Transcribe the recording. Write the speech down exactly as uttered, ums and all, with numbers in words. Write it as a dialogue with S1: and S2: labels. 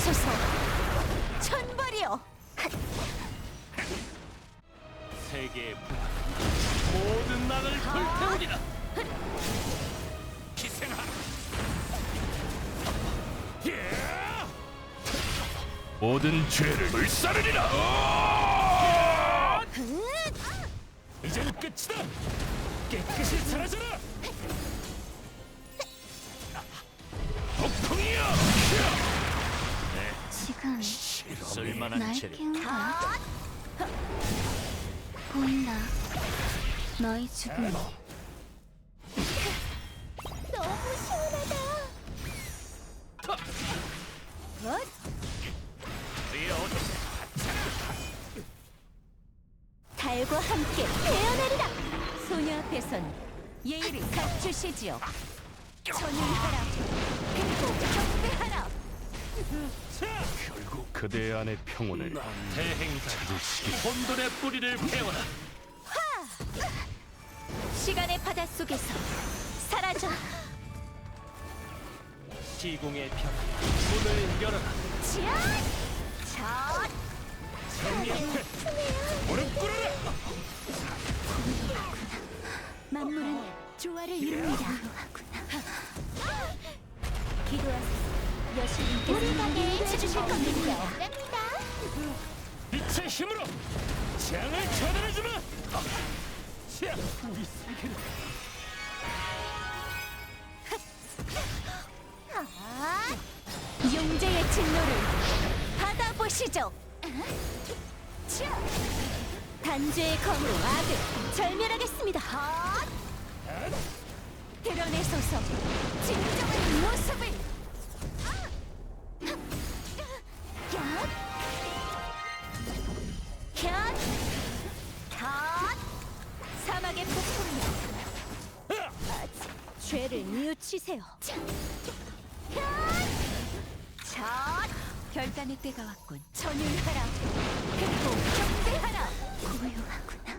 S1: 드러내소서. 천벌이여.
S2: 세계의 부활 모든 나를 불태우리라. 희생하라. 예! 모든 죄를 물사르리라. 이젠 끝이다. 깨끗이 사라져라. 폭풍이여.
S3: 지금
S2: 쓸만한
S3: 날
S2: 죄를
S3: 깨운 거야? 보인다. 너의 죽음이.
S1: 너무 시원하다. 엇?
S2: 우리의 어둠
S1: 달과 함께 태어나리라. 소녀 앞에선 예의를 갖추시지요. 전율하라. 그리고 경배하라.
S2: 결국 그대 안의 평온을 대행자 혼돈의 뿌리를 베어라.
S1: 시간의 바다 속에서 사라져.
S2: 시공의 평 문을 열어라.
S1: 자, 자,
S2: 무릎 꿇어라.
S1: 만물은 조화를 이룹니다. 기도하세요. 여신님께서 우리 가게 해주실 겁니다.
S2: 빛의 힘으로 재앙을 처단해주마. 자, 우리 세계를
S1: 용제의 진노를 받아보시죠. 자, 단죄의 검으로 악을 절멸하겠습니다. 드러내소서 진정한 모습을. 곁, 곁, 사막의 폭풍이여, 죄를 뉘우치세요. 곁, 곁, 결단의 때가 왔군. 전율하라. 그리고 경배하라.
S3: 고요하구나.